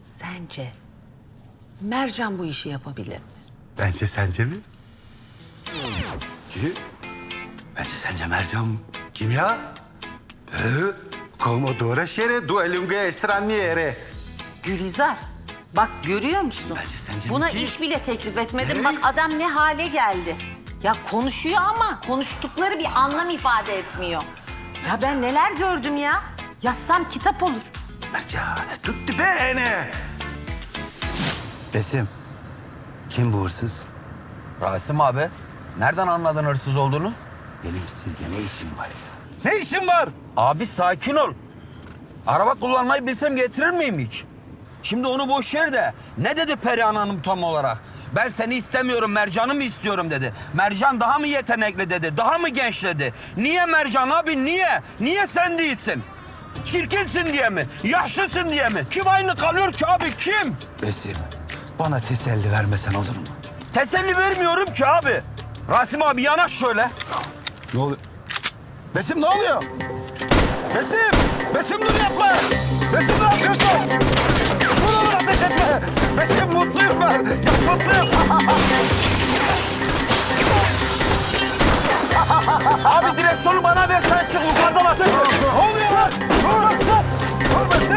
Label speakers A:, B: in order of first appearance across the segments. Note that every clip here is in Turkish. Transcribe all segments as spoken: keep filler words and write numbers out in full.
A: Sence Mercan bu işi yapabilir mi?
B: Bence sence mi? Ki? Bence sence Mercan kim ya? Ee, Como due due lunghe straniere.
A: Gülizar, bak görüyor musun?
B: Bence sence
A: Buna
B: ki-
A: iş bile teklif etmedim.
B: Ne?
A: Bak adam ne hale geldi. Ya konuşuyor ama konuştukları bir anlam ifade etmiyor. Ya ben neler gördüm ya. Yazsam kitap olur.
B: Mercan, tutti bene. Besim, kim bu hırsız?
C: Rasim abi, nereden anladın hırsız olduğunu?
B: Benim sizde ne işim var ya? Ne işim var?
C: Abi sakin ol. Araba kullanmayı bilsem getirir miyim hiç? Şimdi onu boş ver de ne dedi Perihan Hanım tam olarak? Ben seni istemiyorum, Mercan'ı mı istiyorum dedi. Mercan daha mı yetenekli dedi, daha mı genç dedi. Niye Mercan abi, niye? Niye sen değilsin? Çirkinsin diye mi? Yaşlısın diye mi? Kim aynı kalıyor ki abi, kim?
B: Besim, bana teselli vermesen olur mu?
C: Teselli vermiyorum ki abi. Rasim abi yanaş şöyle.
B: Ne oluyor? Besim ne oluyor? Besim! Besim dur yapma! Besim ne yapıyorsun? Dur oğlum ateş etme! Besim mutluyum ben! Mutluyum!
C: Abi direksiyonu bana ver, sen çık yukarıdan ateş et.
B: Ne oluyor lan? Dur! Dur Besim!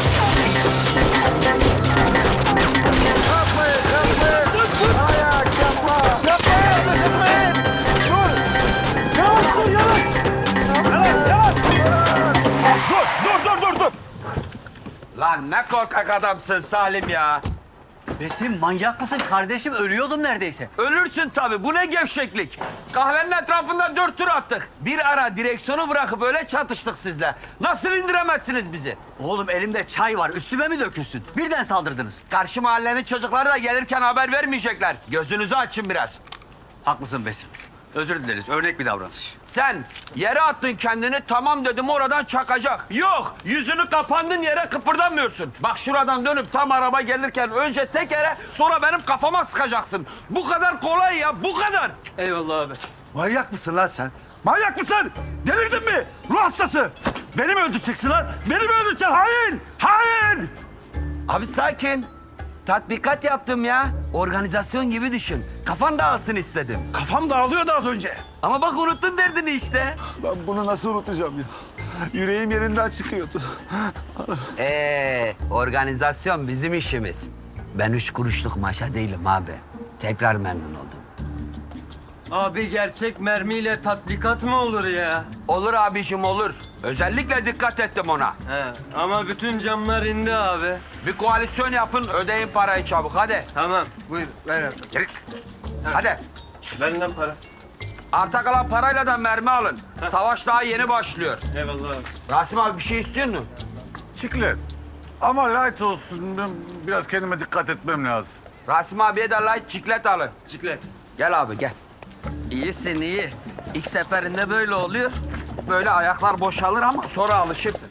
B: Yapmayın! Yapmayın! Ayak yapma! Yapmayın! Ateş etmeyin! Dur!
C: Yavaş dur, yavaş. Yavaş, yavaş. Dur, dur, dur, dur, dur. Lan ne korkak adamsın Salim ya.
D: Besim manyak mısın kardeşim? Ölüyordum neredeyse.
C: Ölürsün tabii. Bu ne gevşeklik. Kahvenin etrafında dört tur attık. Bir ara direksiyonu bırakıp öyle çatıştık sizle. Nasıl indiremezsiniz bizi?
D: Oğlum elimde çay var. Üstüme mi dökülsün? Birden saldırdınız.
C: Karşı mahallenin çocukları da gelirken haber vermeyecekler. Gözünüzü açın biraz.
D: Haklısın Besim. Özür dileriz. Örnek bir davranış.
C: Sen yere attın kendini, tamam dedim oradan çakacak. Yok, yüzünü kapandın yere kıpırdamıyorsun. Bak şuradan dönüp tam araba gelirken önce tekere sonra benim kafama sıkacaksın. Bu kadar kolay ya, bu kadar.
E: Eyvallah abi.
B: Manyak mısın lan sen? Manyak mısın? Delirdin mi? Ruh hastası! Beni mi öldüreceksin lan? Beni mi öldüreceksin? Hain! Hain!
C: Abi sakin. Tatbikat yaptım ya. Organizasyon gibi düşün. Kafan dağılsın istedim.
B: Kafam dağılıyordu az önce.
C: Ama bak unuttun derdini işte.
B: Ben bunu nasıl unutacağım ya? Yüreğim yerinden çıkıyordu.
C: Ee, organizasyon bizim işimiz. Ben üç kuruşluk maşa değilim abi. Tekrar memnun oldum.
E: Abi gerçek mermiyle tatbikat mı olur ya?
C: Olur abicim olur. Özellikle dikkat ettim ona.
E: He, ama bütün camlar indi abi.
C: Bir koalisyon yapın, ödeyin parayı çabuk hadi.
E: Tamam, buyur ver abi.
C: Yürü. Hadi.
E: Benden para.
C: Arta kalan parayla da mermi alın. Savaş daha yeni başlıyor.
E: Eyvallah abi.
C: Rasim abi bir şey istiyor musun?
F: Çiklet. Ama light olsun. Ben biraz kendime dikkat etmem lazım.
C: Rasim abiye de light ciklet alın.
E: Ciklet.
C: Gel abi gel. İyisin iyi. İlk seferinde böyle oluyor. Böyle ayaklar boşalır ama sonra alışırsın.